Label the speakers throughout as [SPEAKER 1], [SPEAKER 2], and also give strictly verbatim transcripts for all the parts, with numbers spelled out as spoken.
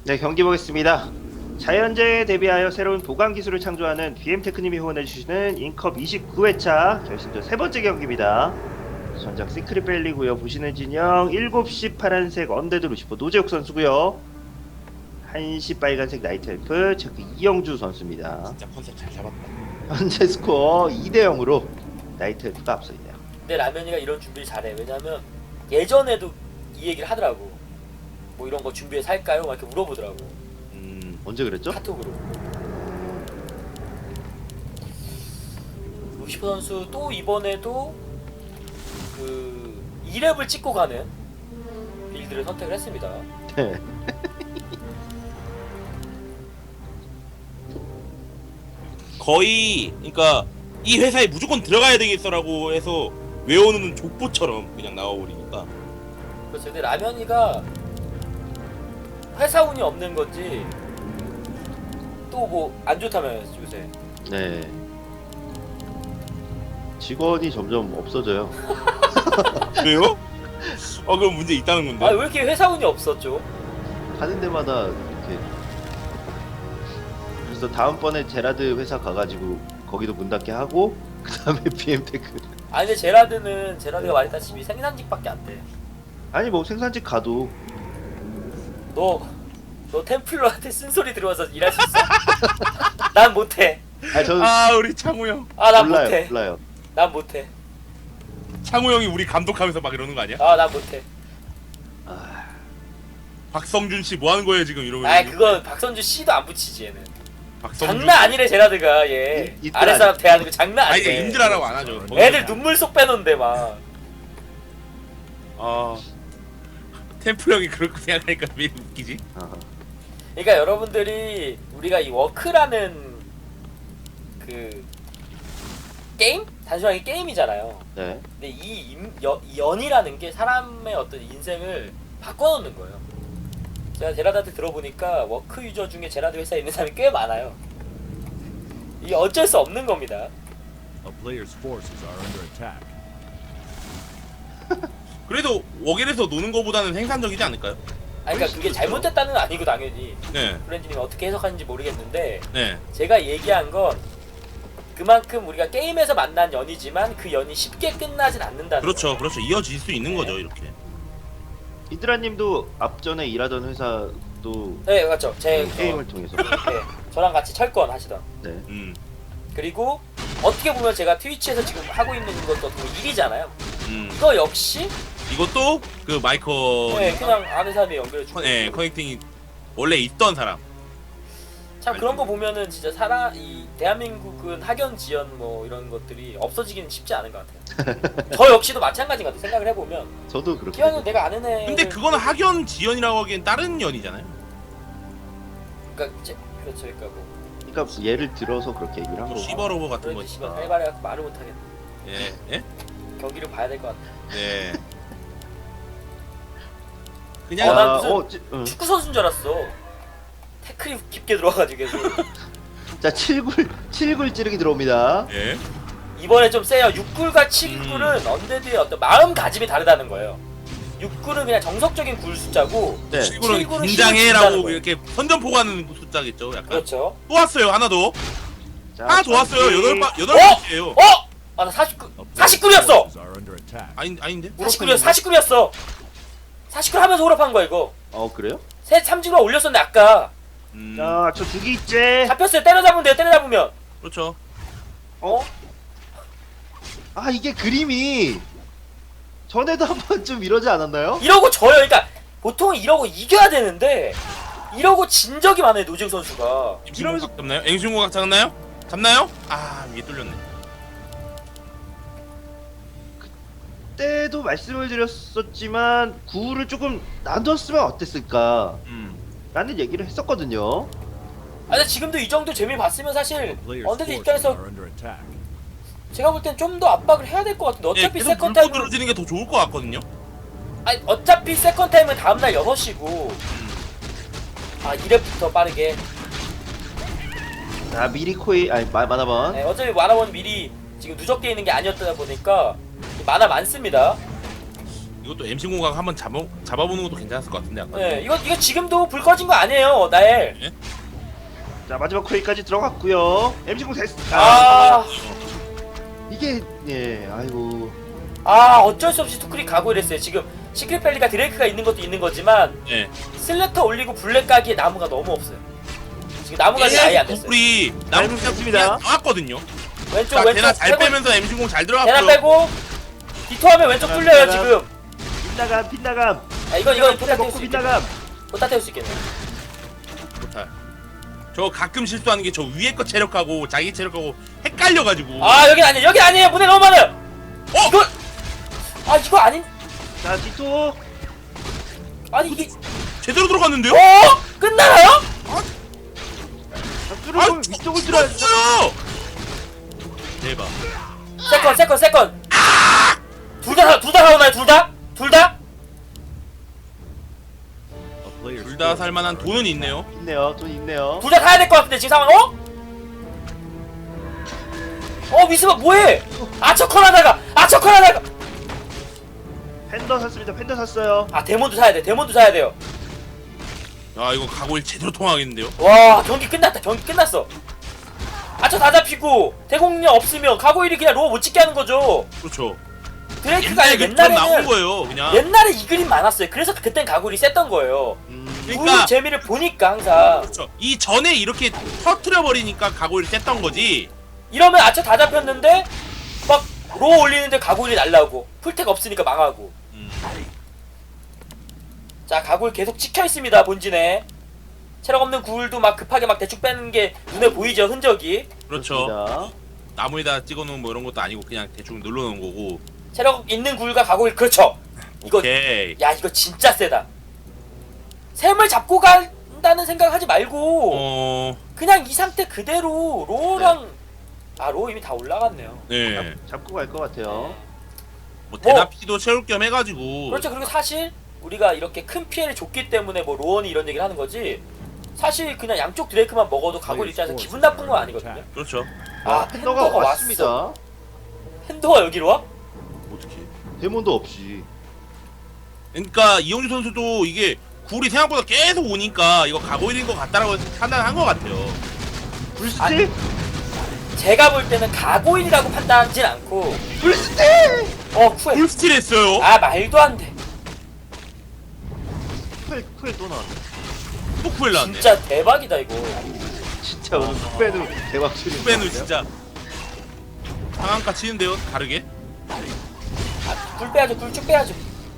[SPEAKER 1] 네, 경기 보겠습니다. 자연재해에 대비하여 새로운 보강 기술을 창조하는 비엠테크님이 후원해주시는 인컵 이십구 회차 결승전 세 번째 경기입니다. 전작 시크릿 밸리고요. 보시는 진영 일곱 시 파란색 언데드 루시퍼 노재욱 선수고요. 한 시 빨간색 나이트 엘프 체크 이영주 선수입니다.
[SPEAKER 2] 진짜 컨셉 잘 잡았다.
[SPEAKER 1] 현재 스코어 이 대 영으로 나이트 엘프가 앞서 있네요.
[SPEAKER 3] 근데 라면이가 이런 준비를 잘해. 왜냐면 예전에도 이 얘기를 하더라고. 뭐 이런 거 준비해서 할까요? 막 이렇게 물어보더라고.
[SPEAKER 1] 음, 언제 그랬죠?
[SPEAKER 3] 카톡으로. 루시퍼 선수 또 이번에도 그 이 렙을 찍고 가는 빌드를 선택을 했습니다.
[SPEAKER 1] 네.
[SPEAKER 2] 거의 그러니까 이 회사에 무조건 들어가야 되겠어라고 해서 외워놓는 족보처럼 그냥 나와버리니까.
[SPEAKER 3] 그렇죠. 근데 라면이가 회사 운이 없는 건지 또 뭐 안 좋다면서 요새.
[SPEAKER 1] 네. 직원이 점점 없어져요.
[SPEAKER 2] 왜요? 어 그럼 문제 있다는 건데.
[SPEAKER 3] 아 왜 이렇게 회사 운이 없었죠?
[SPEAKER 1] 가는 데마다 이렇게. 그래서 다음번에 제라드 회사 가가지고 거기도 문 닫게 하고 그 다음에 비엠테크.
[SPEAKER 3] 아니 근데 제라드는 제라드가 말했다시피 생산직밖에 안 돼.
[SPEAKER 1] 아니 뭐 생산직 가도
[SPEAKER 3] 너, 너 템플러한테 쓴소리 들어와서 일할 수 있어? 난 못해.
[SPEAKER 1] 아니 저는
[SPEAKER 2] 아 우리 창우 형.
[SPEAKER 3] 아 난
[SPEAKER 1] 몰라요
[SPEAKER 3] 못해.
[SPEAKER 1] 몰라요.
[SPEAKER 3] 난 못해.
[SPEAKER 2] 창우 형이 우리 감독하면서 막 이러는 거 아니야?
[SPEAKER 3] 아 난 못해.
[SPEAKER 1] 아,
[SPEAKER 2] 박성준 씨 뭐 하는 거예요 지금 이러면?
[SPEAKER 3] 아 그거 박선주 씨도 안 붙이지 얘는.
[SPEAKER 2] 박성준.
[SPEAKER 3] 장난 아니래 제라드가 얘.
[SPEAKER 1] 이- 이들
[SPEAKER 3] 아래 사람
[SPEAKER 1] 아니-
[SPEAKER 3] 대하는 거 장난
[SPEAKER 2] 아니
[SPEAKER 3] 아니래.
[SPEAKER 2] 임들하라고 안 하죠.
[SPEAKER 3] 애들 눈물 쏙 빼놓는데 막.
[SPEAKER 2] 아 템플 형이 그렇게 생각하니까 왜 웃기지?
[SPEAKER 1] 아,
[SPEAKER 3] 그러니까 여러분들이 우리가 이 워크라는 그 게임? 단순하게 게임이잖아요.
[SPEAKER 1] 네.
[SPEAKER 3] 근데 이, 임, 여, 이 연이라는 게 사람의 어떤 인생을 바꿔놓는 거예요. 제가 제라드한테 들어보니까 워크 유저 중에 제라드 회사에 있는 사람이 꽤 많아요. 이게 어쩔 수 없는 겁니다.
[SPEAKER 4] A player's forces are under attack.
[SPEAKER 2] 그래도 워겔에서 노는 거보다는 생산적이지 않을까요?
[SPEAKER 3] 아니, 그러니까 그게 잘못됐다는 건 아니고 당연히
[SPEAKER 2] 네,
[SPEAKER 3] 브랜드님이 어떻게 해석하는지 모르겠는데
[SPEAKER 2] 네.
[SPEAKER 3] 제가 얘기한 건 그만큼 우리가 게임에서 만난 연이지만 그 연이 쉽게 끝나진 않는다는
[SPEAKER 2] 그렇죠,
[SPEAKER 3] 거예요.
[SPEAKER 2] 그렇죠. 이어질 수 있는 거죠 이렇게.
[SPEAKER 1] 이드라님도 앞전에 일하던 회사도
[SPEAKER 3] 네 맞죠. 제
[SPEAKER 1] 게임을 통해서.
[SPEAKER 3] 네, 저랑 같이 철권 하시던.
[SPEAKER 1] 네.
[SPEAKER 2] 음,
[SPEAKER 3] 그리고 어떻게 보면 제가 트위치에서 지금 하고 있는 것도 어떻게 보면 일이잖아요.
[SPEAKER 2] 음.
[SPEAKER 3] 이거 역시
[SPEAKER 2] 이것도 그 마이커,
[SPEAKER 3] 네, 그냥 아는 사람이 연결해주고.
[SPEAKER 2] 네, 커넥팅이 원래 있던 사람.
[SPEAKER 3] 참 그런 거 보면은 진짜 살아 이 대한민국은 학연 지연 뭐 이런 것들이 없어지기는 쉽지 않은 것 같아요. 저 역시도 마찬가지인 것 같아요. 생각을 해보면
[SPEAKER 1] 저도 그렇게.
[SPEAKER 3] 기왕은 내가 아는 애.
[SPEAKER 2] 근데 그거는 학연 지연이라고 하기엔 다른 연이잖아요.
[SPEAKER 3] 그러니까 제, 그렇죠. 그러니까 뭐
[SPEAKER 1] 그러니까 예를 들어서 그렇게 얘기를 한 거고.
[SPEAKER 2] 시버로버 같은
[SPEAKER 3] 그런지
[SPEAKER 2] 거니까.
[SPEAKER 3] 씨발 해봐야 말을 못하겠네.
[SPEAKER 2] 예, 예,
[SPEAKER 3] 경기를 봐야 될 것 같아.
[SPEAKER 2] 네.
[SPEAKER 3] 어,
[SPEAKER 2] 그냥
[SPEAKER 3] 난 무슨
[SPEAKER 1] 어, 찌, 응.
[SPEAKER 3] 축구 선수인 줄 알았어. 태클이 깊게 들어와가지고 계속.
[SPEAKER 1] 자, 칠 굴 칠 굴 찌르기 들어옵니다.
[SPEAKER 2] 예.
[SPEAKER 3] 이번에 좀 세요. 육 굴과 칠 굴은
[SPEAKER 2] 음.
[SPEAKER 3] 언데드의 어떤 마음가짐이 다르다는 거예요. 육 굴은 그냥 정석적인 굴 숫자고
[SPEAKER 1] 네.
[SPEAKER 2] 칠구는
[SPEAKER 3] 칠구는
[SPEAKER 2] 긴장해라고
[SPEAKER 3] 힘을
[SPEAKER 2] 이렇게 선전포가는 숫자겠죠, 약간.
[SPEAKER 3] 그렇죠.
[SPEAKER 2] 또 왔어요, 하나 더.
[SPEAKER 1] 자,
[SPEAKER 2] 하나 더 왔어요.
[SPEAKER 1] 경기.
[SPEAKER 2] 여덟 바 여덟
[SPEAKER 3] 어?
[SPEAKER 2] 번째예요.
[SPEAKER 3] 어? 아 나 사십구
[SPEAKER 4] A player's
[SPEAKER 3] 사십구였어.
[SPEAKER 4] forces are under attack.
[SPEAKER 2] 아닌 아닌데?
[SPEAKER 3] 사십구였어. 사십구였어. 사십구 하면서 호럽한 거야 이거.
[SPEAKER 1] 어, 그래요?
[SPEAKER 3] 새 삼진으로 올렸었는데 아까
[SPEAKER 2] 음.
[SPEAKER 1] 자, 저 두 개 있제.
[SPEAKER 3] 잡혔어요. 때려잡으면 돼요. 때려잡으면.
[SPEAKER 2] 그렇죠.
[SPEAKER 3] 어?
[SPEAKER 1] 아, 이게 그림이 전에도 한 번쯤 이러지 않았나요?
[SPEAKER 3] 이러고 져요. 그러니까 보통 이러고 이겨야 되는데 이러고 진 적이 많아요. 노지욱 선수가.
[SPEAKER 2] 이러면서 잡나요? 앵신고각 잡나요? 잡나요? 아, 위에 뚫렸네.
[SPEAKER 1] 그때도 말씀을 드렸었지만 구를 조금 나눴으면 어땠을까?
[SPEAKER 2] 음.
[SPEAKER 1] 라는 얘기를 했었거든요.
[SPEAKER 3] 아 근데 지금도 이 정도 재미 봤으면 사실
[SPEAKER 4] A player's
[SPEAKER 3] 언데드
[SPEAKER 4] forces
[SPEAKER 3] 입장에서
[SPEAKER 4] are under attack.
[SPEAKER 3] 제가 볼 땐 좀 더 압박을 해야 될 것 같은데
[SPEAKER 2] 예,
[SPEAKER 3] 어차피
[SPEAKER 2] 계속
[SPEAKER 3] 세컨
[SPEAKER 2] 물고
[SPEAKER 3] 타임은
[SPEAKER 2] 들어지는 게 더 좋을 것 같거든요.
[SPEAKER 3] 아니 어차피 세컨 타임은 다음날 여섯 시고 아 이 렙부터 빠르게
[SPEAKER 1] 자, 미리 코이 아니 마, 마나번.
[SPEAKER 3] 네, 어차피 만화원 미리 지금 누적돼 있는 게 아니었다 보니까 만화 많습니다.
[SPEAKER 2] 이것도 엠씨 공각 한번 잡아 잡아보는 것도 괜찮았을 것 같은데 아까.
[SPEAKER 3] 네, 이거 이거 지금도 불 꺼진 거 아니에요, 나엘.
[SPEAKER 1] 자 마지막 코에까지 들어갔고요. 엠씨공 됐.
[SPEAKER 3] 아,
[SPEAKER 1] 이게 예 아이고
[SPEAKER 3] 아 어쩔 수 없이 투크리 가고 이랬어요. 지금 시크릿밸리가 드레이크가 있는 것도 있는 거지만
[SPEAKER 2] 예.
[SPEAKER 3] 슬래터 올리고 블랙 가기에 나무가 너무 없어요. 지금 나무가 아예 안 됐어요.
[SPEAKER 2] 우리 나무
[SPEAKER 1] 잘
[SPEAKER 2] 그냥
[SPEAKER 1] 습니다.
[SPEAKER 2] 나왔거든요.
[SPEAKER 3] 왼쪽
[SPEAKER 2] 자,
[SPEAKER 3] 왼쪽
[SPEAKER 2] 대나 잘
[SPEAKER 3] 빼고,
[SPEAKER 2] 빼면서 엠씨 공 잘
[SPEAKER 3] 대나
[SPEAKER 2] 들어갔고요.
[SPEAKER 3] 빼고 디토하면 왼쪽
[SPEAKER 1] 대나,
[SPEAKER 3] 뚫려요
[SPEAKER 1] 대나.
[SPEAKER 3] 지금.
[SPEAKER 1] 빗나감 빗나감.
[SPEAKER 3] 아, 이건 이건 포타 태울
[SPEAKER 1] 먹고
[SPEAKER 3] 수 있겠네.
[SPEAKER 1] 빗나감.
[SPEAKER 3] 포타 태울 수 있겠네.
[SPEAKER 2] 못할. 저 가끔 실수하는 게 저 위에 거 체력하고 자기 체력하고 헷갈려가지고.
[SPEAKER 3] 아 여긴 아니에요. 여긴 아니에요. 문에 너무 많아요.
[SPEAKER 2] 어?
[SPEAKER 3] 이거 아 이거 아닌
[SPEAKER 1] 자 디토.
[SPEAKER 3] 아니 이게
[SPEAKER 2] 제대로 들어갔는데요?
[SPEAKER 3] 어 끝나나요?
[SPEAKER 1] 자 뚫고 위쪽을 들어야지.
[SPEAKER 2] 죽었어요! 대박.
[SPEAKER 3] 세컨 세컨 세컨. 둘다둘다 나오나요? 둘 다? 둘 다?
[SPEAKER 4] A player's
[SPEAKER 2] 둘 다
[SPEAKER 4] forces
[SPEAKER 2] 살만한
[SPEAKER 4] are
[SPEAKER 2] 돈은 있네요.
[SPEAKER 1] 있네요. 돈 있네요.
[SPEAKER 3] 둘 다 사야 될 것 같은데 지금 상황 어? 어 미스바 뭐해? 아처컨 하다가 아처컨 하다가
[SPEAKER 1] 팬더 샀습니다. 팬더 샀어요.
[SPEAKER 3] 아 데몬도 사야 돼. 데몬도 사야 돼요.
[SPEAKER 2] 야 이거 가고일 제대로 통하겠는데요?
[SPEAKER 3] 와 경기 끝났다. 경기 끝났어. 아처 다 잡히고 대공력 없으면 가고일이 그냥 로어 못 찍게 하는 거죠.
[SPEAKER 2] 그렇죠.
[SPEAKER 3] 드레이크가
[SPEAKER 2] 옛날에 그처럼 나온
[SPEAKER 3] 옛날에는
[SPEAKER 2] 거예요 그냥.
[SPEAKER 3] 옛날에 이 그림 많았어요. 그래서 그땐 가고일이 셌던 거예요.
[SPEAKER 1] 음,
[SPEAKER 2] 그러니까
[SPEAKER 3] 그 재미를 보니까 항상
[SPEAKER 2] 그렇죠. 이 전에 이렇게 터트려 버리니까 가고일 셌던 거지.
[SPEAKER 3] 이러면 아처 다 잡혔는데 막 로어 올리는데 가고일이 날라오고 풀택 없으니까 망하고.
[SPEAKER 2] 음.
[SPEAKER 3] 자 가골 계속 찍혀 있습니다. 본진에 체력 없는 굴도 막 급하게 막 대충 빼는 게 눈에 보이죠. 흔적이.
[SPEAKER 2] 그렇죠.
[SPEAKER 1] 그렇습니다.
[SPEAKER 2] 나무에다 찍어놓은 뭐 이런 것도 아니고 그냥 대충 눌러놓은 거고.
[SPEAKER 3] 체력 있는 굴과 가골 그렇죠. 이거
[SPEAKER 2] 오케이.
[SPEAKER 3] 야 이거 진짜 세다. 샘을 잡고 간다는 생각하지 말고
[SPEAKER 2] 어.
[SPEAKER 3] 그냥 이 상태 그대로 로랑 아 로 이미 다 올라갔네요.
[SPEAKER 2] 네.
[SPEAKER 1] 잡고 갈 것 같아요.
[SPEAKER 2] 뭐 대나피도 채울 겸 해가지고.
[SPEAKER 3] 그렇죠. 그리고 사실 우리가 이렇게 큰 피해를 줬기 때문에 뭐 로원이 이런 얘기를 하는 거지. 사실 그냥 양쪽 드레이크만 먹어도 가골 입장에서 기분 나쁜 건 아니거든요.
[SPEAKER 2] 그렇죠.
[SPEAKER 3] 아
[SPEAKER 1] 팬더가
[SPEAKER 3] 팬더가 왔어.
[SPEAKER 1] 왔습니다.
[SPEAKER 3] 팬더가 여기로 와?
[SPEAKER 2] 어떻게?
[SPEAKER 1] 데몬도 없이.
[SPEAKER 2] 그러니까 이영주 선수도 이게 굴이 생각보다 계속 오니까 이거 가고일인 것 같다라고 판단한 것 같아요.
[SPEAKER 1] 불스틸?
[SPEAKER 3] 제가 볼 때는 가고인이라고 판단하진 않고
[SPEAKER 1] 불스틸!
[SPEAKER 3] 어 쿠에
[SPEAKER 2] 풀스틸 했어요.
[SPEAKER 3] 아 말도 안돼.
[SPEAKER 1] 쿠엘 쿠엘 또 나왔네.
[SPEAKER 2] 또 쿠엘 나왔네.
[SPEAKER 3] 진짜 대박이다 이거.
[SPEAKER 1] 진짜 오늘 쿠엘은 대박 치는.
[SPEAKER 2] 후배는 진짜 상한가 치는데요. 다르게.
[SPEAKER 3] 아, 굴 빼야죠. 굴 쭉 빼야죠.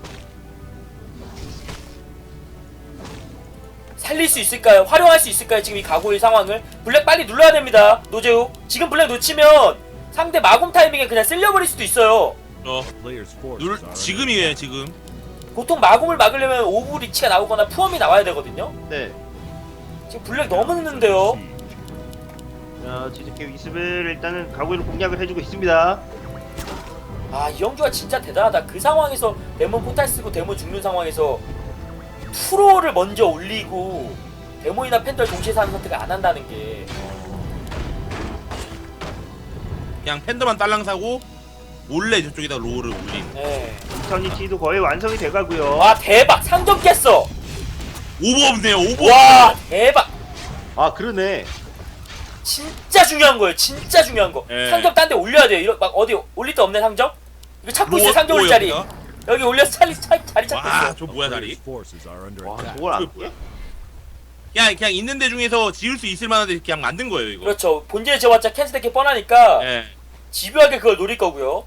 [SPEAKER 3] 살릴 수 있을까요? 활용할 수 있을까요? 지금 이 가고일 상황을 블랙 빨리 눌러야 됩니다. 노재욱 지금 블랙 놓치면 상대 마공 타이밍에 그냥 쓸려버릴 수도 있어요.
[SPEAKER 2] 어.
[SPEAKER 4] A player's forces
[SPEAKER 2] 눌
[SPEAKER 4] are under
[SPEAKER 2] 지금이에요 지금.
[SPEAKER 3] 보통 마공을 막으려면 오브 리치가 나오거나 푸엄이 나와야 되거든요.
[SPEAKER 1] 네.
[SPEAKER 3] 지금 블랙 너무 늦는데요.
[SPEAKER 1] 자 지즈케 위습을 일단은 가구이로 공략을 해주고 있습니다.
[SPEAKER 3] 아 이영주가 진짜 대단하다. 그 상황에서 데몬 포탈 쓰고 데몬 죽는 상황에서 프로를 먼저 올리고 데몬이나 팬들 동시에 사는 선택을 안 한다는 게
[SPEAKER 2] 그냥 팬더만 딸랑 사고 몰래 저쪽에다 로우를 올린.
[SPEAKER 3] 네.
[SPEAKER 1] 이터니티도 거의 완성이 돼가고요.
[SPEAKER 3] 와 대박 상점 깼어.
[SPEAKER 2] 오버 없네요. 오버.
[SPEAKER 3] 와 대박.
[SPEAKER 1] 아 그러네.
[SPEAKER 3] 진짜 중요한 거예요. 진짜 중요한 거.
[SPEAKER 2] 예.
[SPEAKER 3] 상점 딴 데 올려야 돼요. 이런 막 어디 올릴 데 없네 상점? 이거 찾고 있어요.
[SPEAKER 2] 로-
[SPEAKER 3] 상점 올 자리.
[SPEAKER 2] 로우였나?
[SPEAKER 3] 여기 올려서 자리, 자리, 자리 찾고
[SPEAKER 2] 와,
[SPEAKER 3] 있어.
[SPEAKER 2] 저 뭐야
[SPEAKER 4] A
[SPEAKER 2] 다리?
[SPEAKER 4] player's forces are under
[SPEAKER 1] 와
[SPEAKER 4] attack.
[SPEAKER 1] 저걸 안
[SPEAKER 2] 그
[SPEAKER 1] 깨?
[SPEAKER 2] 그냥 그냥 있는 데 중에서 지을 수 있을 만한 데 그냥 만든 거예요 이거.
[SPEAKER 3] 그렇죠. 본질에 지어봤자 캔슬되기 뻔하니까
[SPEAKER 2] 예.
[SPEAKER 3] 집요하게 그걸 노릴 거고요.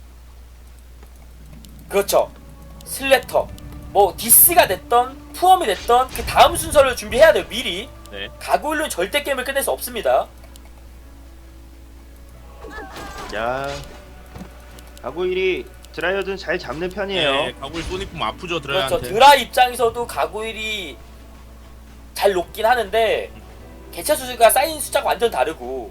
[SPEAKER 3] 그렇죠. 슬래터. 뭐 디스가 됐던 푸엄이 됐던 그 다음 순서를 준비해야 돼요. 미리.
[SPEAKER 2] 네.
[SPEAKER 3] 가고일로는 절대 게임을 끝낼 수 없습니다.
[SPEAKER 1] 야 가구일이 드라이어든 잘 잡는 편이에요.
[SPEAKER 2] 예. 가고일 소니품 아프죠
[SPEAKER 3] 그렇죠.
[SPEAKER 2] 드라이한테.
[SPEAKER 3] 드라 입장에서도 가고일이 잘 높긴 하는데 개체 수가 쌓인 숫자가 완전 다르고.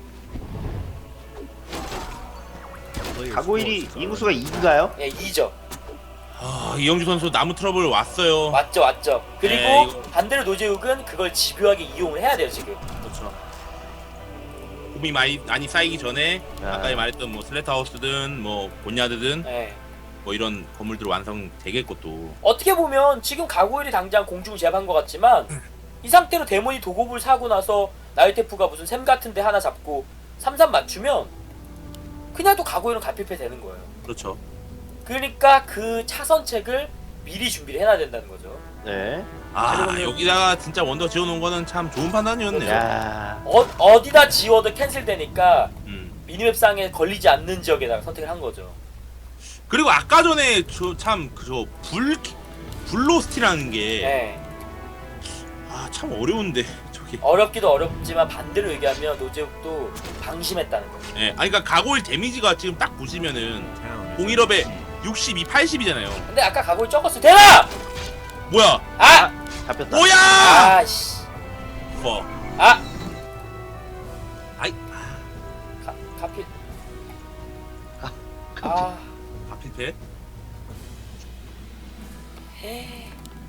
[SPEAKER 4] A player's
[SPEAKER 1] 가구일이
[SPEAKER 4] forces are
[SPEAKER 1] 인구수가 이인가요?
[SPEAKER 3] 예, 이죠.
[SPEAKER 2] 아, 이영주 선수 나무 트러블 왔어요.
[SPEAKER 3] 맞죠, 맞죠. 그리고
[SPEAKER 2] 네, 이거-
[SPEAKER 3] 반대로 노재욱은 그걸 집요하게 이용을 해야 돼요 지금.
[SPEAKER 2] 그렇죠. 곰이 많이 많이 쌓이기 전에
[SPEAKER 1] 아.
[SPEAKER 2] 아까 말했던 뭐 슬래터하우스든 뭐 본야드든
[SPEAKER 3] 예.
[SPEAKER 2] 뭐 이런 건물들 완성되겠고 또.
[SPEAKER 3] 어떻게 보면 지금 가고일이 당장 공중을 제압한 것 같지만 이 상태로 데몬이 도곡을 사고 나서 나이테프가 무슨 샘 같은데 하나 잡고 삼 삼 맞추면 그냥 또 가고일은 가필패 되는 거예요.
[SPEAKER 2] 그렇죠.
[SPEAKER 3] 그러니까 그 차선책을 미리 준비를 해놔야 된다는 거죠.
[SPEAKER 1] 네.
[SPEAKER 2] 아
[SPEAKER 1] 그리고
[SPEAKER 2] 여기다가 진짜 원더 지어놓은 거는 참 좋은 판단이었네요.
[SPEAKER 1] 야.
[SPEAKER 3] 어, 어디다 지워도 캔슬되니까
[SPEAKER 2] 음.
[SPEAKER 3] 미니맵상에 걸리지 않는 지역에다가 선택을 한 거죠.
[SPEAKER 2] 그리고 아까 전에 저 참 그저 불 불로스티라는 게
[SPEAKER 3] 네.
[SPEAKER 2] 아 참 어려운데 저기.
[SPEAKER 3] 어렵기도 어렵지만 반대로 얘기하면 노제욱도 방심했다는 거죠.
[SPEAKER 2] 예, 아니 그러니까 가고일 데미지가 지금 딱 보시면은
[SPEAKER 4] Town is
[SPEAKER 2] 공일업에 육십이, 팔십이잖아요.
[SPEAKER 3] 근데 아까 가고일 적었어. 대라!
[SPEAKER 2] 뭐야?
[SPEAKER 3] 아!
[SPEAKER 1] 잡혔다.
[SPEAKER 2] 뭐야?
[SPEAKER 3] 아씨.
[SPEAKER 2] 뭐?
[SPEAKER 3] 아!
[SPEAKER 2] 아이,
[SPEAKER 3] 가, 가필.
[SPEAKER 1] 가-
[SPEAKER 3] 아.
[SPEAKER 2] 바필패?
[SPEAKER 3] 헤.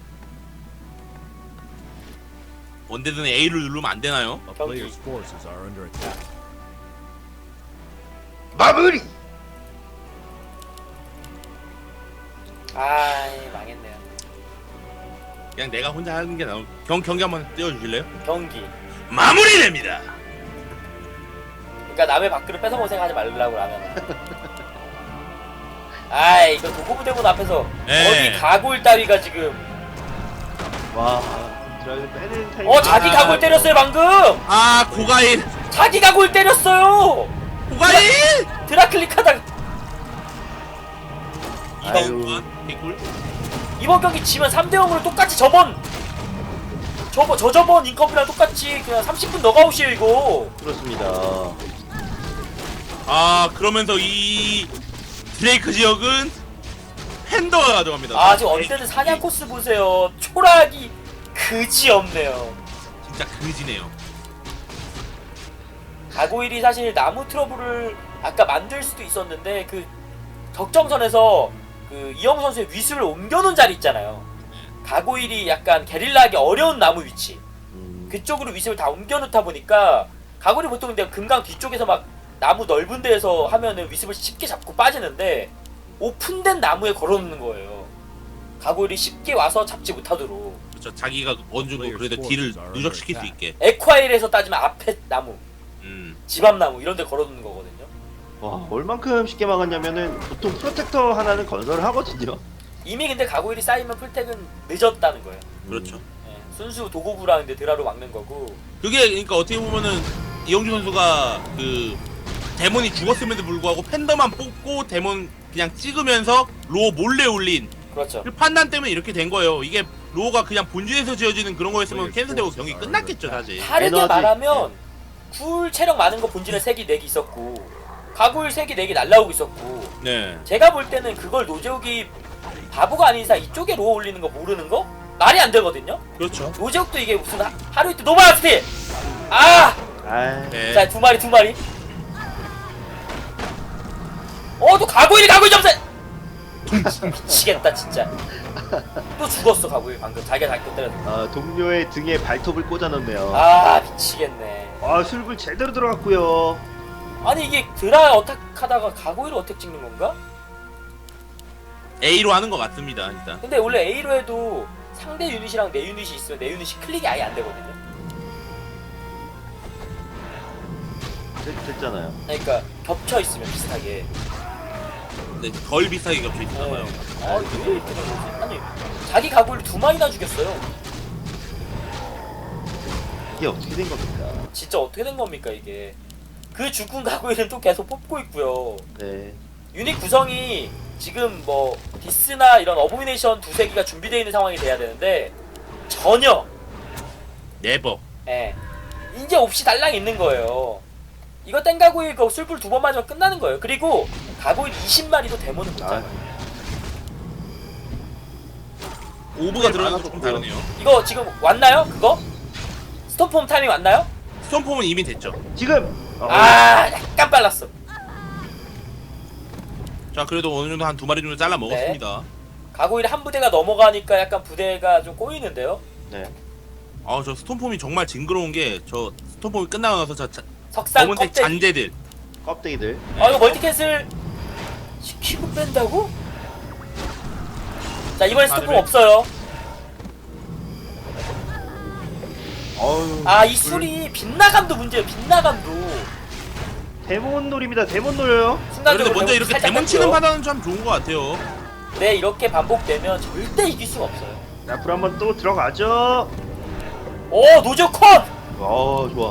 [SPEAKER 2] 언제든 A를 누르면 안 되나요?
[SPEAKER 4] a player's forces are under attack.
[SPEAKER 1] 마무리.
[SPEAKER 3] 아이, 망했네요.
[SPEAKER 2] 그냥 내가 혼자 하는 게 나오. 경 경기 한번 띄워주실래요?
[SPEAKER 3] 경기.
[SPEAKER 2] 마무리됩니다.
[SPEAKER 3] 그러니까 남의 밥그릇 뺏어먹을 생각하지 말라고 라면. 아이, 이거 도구부대본 앞에서
[SPEAKER 2] 네.
[SPEAKER 3] 어디 가골 따위가 지금.
[SPEAKER 1] 와. 드라이브 빼는 타임.
[SPEAKER 3] 어, 자기 가골 때렸어요 방금.
[SPEAKER 2] 아 고가일,
[SPEAKER 3] 자기 가골 때렸어요.
[SPEAKER 2] 고가일.
[SPEAKER 3] 드라클릭하다가
[SPEAKER 1] 아유.
[SPEAKER 2] 이번 개꿀.
[SPEAKER 3] 이번 경기 지면 삼 대 영으로 똑같이 저번 저번 저저번 인컵이랑 똑같이 그냥 삼십 분 너가웃이에요 이거.
[SPEAKER 1] 그렇습니다.
[SPEAKER 2] 아 그러면서 이 드레이크 지역은 팬더가 가져갑니다.
[SPEAKER 3] 아 지금 언제든 사냥 코스 보세요. 초락이 그지 없네요.
[SPEAKER 2] 진짜 그지네요.
[SPEAKER 3] 가고일이 사실 나무 트러블을 아까 만들 수도 있었는데 그 적정선에서 그 이영우 선수의 위습을 옮겨놓은 자리 있잖아요. 가고일이 약간 게릴라하기 어려운 나무 위치
[SPEAKER 1] 음.
[SPEAKER 3] 그쪽으로 위습을 다 옮겨놓다 보니까 가고일이 보통 근데 금강 뒤쪽에서 막 나무 넓은 데에서 하면은 위습을 쉽게 잡고 빠지는데 오픈된 나무에 걸어놓는 거예요. 가고일이 쉽게 와서 잡지 못하도록.
[SPEAKER 2] 그렇죠. 자기가 어느 정도 그래도 딜을 누적시킬 수 있게.
[SPEAKER 3] 에콰일에서 따지면 앞에 나무,
[SPEAKER 2] 음.
[SPEAKER 3] 집앞 나무 이런 데 걸어놓는 거거든요.
[SPEAKER 1] 와, 얼만큼 쉽게 막았냐면은 보통 프로텍터 하나는 건설을 하거든요.
[SPEAKER 3] 이미 근데 가고일이 쌓이면 풀텍은 늦었다는 거예요.
[SPEAKER 2] 그렇죠.
[SPEAKER 3] 예, 순수 도구부랑 근데 드라로 막는 거고.
[SPEAKER 2] 그게 그러니까 어떻게 보면은 이영주 선수가 그 데몬이 죽었음에도 불구하고 팬더만 뽑고 데몬 그냥 찍으면서 로어 몰래 올린
[SPEAKER 3] 그렇죠.
[SPEAKER 2] 그 판단 때문에 이렇게 된 거예요. 이게 로어가 그냥 본진에서 지어지는 그런 거였으면 캔슬되고 경기 끝났겠죠 사실.
[SPEAKER 3] 다르게
[SPEAKER 1] 에너지,
[SPEAKER 3] 말하면 굴 체력 많은 거 본진에 세 개, 네 개 있었고 가고일 세 개, 네 개 날라오고 있었고
[SPEAKER 2] 네.
[SPEAKER 3] 제가 볼 때는 그걸 노재욱이 바보가 아닌 이상 이쪽에 로어 올리는 거 모르는 거? 말이 안 되거든요?
[SPEAKER 2] 그렇죠.
[SPEAKER 3] 노재욱도 이게 무슨 하, 하루 이틀 노바스티! 아!
[SPEAKER 1] 아,
[SPEAKER 2] 네.
[SPEAKER 3] 자, 두 마리, 두 마리. 어, 또 가고일이 가고일 점수! 미치겠다, 진짜. 또 죽었어, 가고일 방금. 자기가 자기 거 때려서.
[SPEAKER 1] 아, 동료의 등에 발톱을 꽂아놓네요.
[SPEAKER 3] 아, 미치겠네.
[SPEAKER 1] 아, 술불 제대로 들어갔고요.
[SPEAKER 3] 아니, 이게 드라 어택 하다가 가고일을 어택 찍는 건가?
[SPEAKER 2] A로 하는 것 같습니다 일단.
[SPEAKER 3] 근데 원래 A로 해도 상대 유닛이랑 내 유닛이 있으면 내 유닛이 클릭이 아예 안 되거든요.
[SPEAKER 1] 됐, 됐잖아요.
[SPEAKER 3] 그러니까 겹쳐 있으면 비슷하게.
[SPEAKER 2] 근데 덜 비싸게 겹쳐 있나 봐요.
[SPEAKER 3] 아, 왜 이렇게 된 거지? 아니, 자기 가고일을 두 마리나 죽였어요.
[SPEAKER 1] 이게 어떻게 된 겁니까?
[SPEAKER 3] 진짜 어떻게 된 겁니까, 이게? 그 죽은 가고일은 또 계속 뽑고 있고요.
[SPEAKER 1] 네.
[SPEAKER 3] 유닛 구성이 지금 뭐 디스나 이런 어보미네이션 두세 기가 준비되어 있는 상황이 돼야 되는데 전혀
[SPEAKER 2] 네버.
[SPEAKER 3] 예 이제 없이 달랑 있는 거예요. 이거 땡가고일 그 술불 두 번 맞으면 끝나는 거예요. 그리고 가고일 이십 마리도 데모는 못 잡아요.
[SPEAKER 2] 오브가 들어가는
[SPEAKER 1] 많아서
[SPEAKER 2] 건 좀
[SPEAKER 1] 그래요.
[SPEAKER 2] 다르네요.
[SPEAKER 3] 이거 지금 왔나요? 그거? 스톰폼 타이밍 왔나요?
[SPEAKER 2] 스톰폼은 이미 됐죠.
[SPEAKER 1] 지금! 어,
[SPEAKER 3] 아 약간 빨랐어.
[SPEAKER 2] 자 그래도 어느 정도 한 두 마리 정도 잘라 먹었습니다.
[SPEAKER 3] 가고일 한 부대가 넘어가니까 약간 부대가 좀 꼬이는데요.
[SPEAKER 1] 네.
[SPEAKER 2] 아 저 스톰폼이 정말 징그러운 게 저 스톰폼이 끝나고 나서 저 자,
[SPEAKER 3] 석상
[SPEAKER 2] 검은색
[SPEAKER 3] 껍데기.
[SPEAKER 2] 잔재들.
[SPEAKER 1] 껍데기들.
[SPEAKER 3] 아 이거 멀티 캔슬 시키고 뺀다고? 자 이번에 스톱
[SPEAKER 2] 바르베.
[SPEAKER 3] 없어요.
[SPEAKER 1] 어우,
[SPEAKER 3] 아 이 술이 빗나감도 문제예요. 빗나감도
[SPEAKER 1] 데몬 놀입니다. 데몬 놀요.
[SPEAKER 2] 그런데
[SPEAKER 3] 순간적으로
[SPEAKER 2] 먼저
[SPEAKER 3] 데몬
[SPEAKER 2] 이렇게
[SPEAKER 3] 살짝
[SPEAKER 2] 데몬 치는
[SPEAKER 3] 깎여요.
[SPEAKER 2] 판단은 참 좋은 것 같아요.
[SPEAKER 3] 네 이렇게 반복되면 절대 이길 수가 없어요.
[SPEAKER 1] 자, 불 한번 또 들어가죠.
[SPEAKER 3] 오 노조 컷!
[SPEAKER 1] 어, 좋아.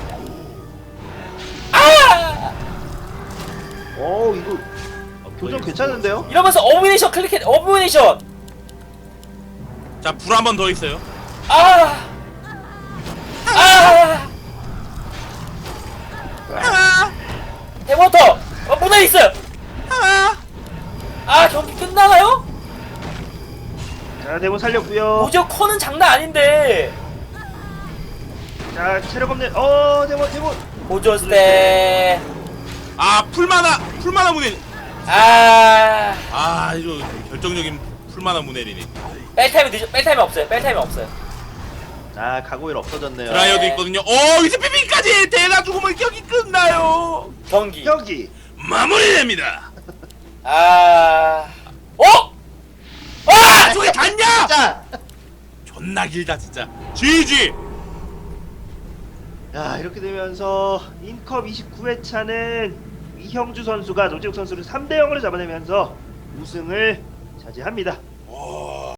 [SPEAKER 3] 아!
[SPEAKER 1] 어, 이거 교정 괜찮은데요?
[SPEAKER 3] 이러면서 어브네이션 클릭해 어브네이션!
[SPEAKER 2] 자, 불 한 번 더 있어요.
[SPEAKER 3] 아! 아!
[SPEAKER 2] 아,
[SPEAKER 3] 데모터! 어, 문에 있어요!
[SPEAKER 2] 아.
[SPEAKER 3] 아 경기 끝나나요?
[SPEAKER 1] 자, 데몬 살렸고요.
[SPEAKER 3] 노조 컷은 장난 아닌데
[SPEAKER 1] 자, 체력 없는 어, 데몬 데몬.
[SPEAKER 3] 보조스테
[SPEAKER 2] 아, 풀마나, 풀마나 문해.
[SPEAKER 3] 아
[SPEAKER 2] 아, 이거 결정적인 풀마나 문해리네.
[SPEAKER 3] 뺄타임이 늦어 뺄타임이 없어요 뺄타임이 없어요
[SPEAKER 1] 아, 가고일 없어졌네요.
[SPEAKER 2] 드라이어도 있거든요. 오, 이제 피피까지 대나 죽으면 경기 끝나요.
[SPEAKER 3] 경기
[SPEAKER 1] 여기.
[SPEAKER 2] 마무리됩니다.
[SPEAKER 3] 아 어?
[SPEAKER 2] 아,
[SPEAKER 3] 아!
[SPEAKER 2] 저게 닿냐?
[SPEAKER 1] 자.
[SPEAKER 2] 존나 길다 진짜. 지지.
[SPEAKER 1] 야, 이렇게 되면서 인컵 이십구 회차는 이형주 선수가 노재욱 선수를 삼 대 영으로 잡아내면서 우승을 차지합니다.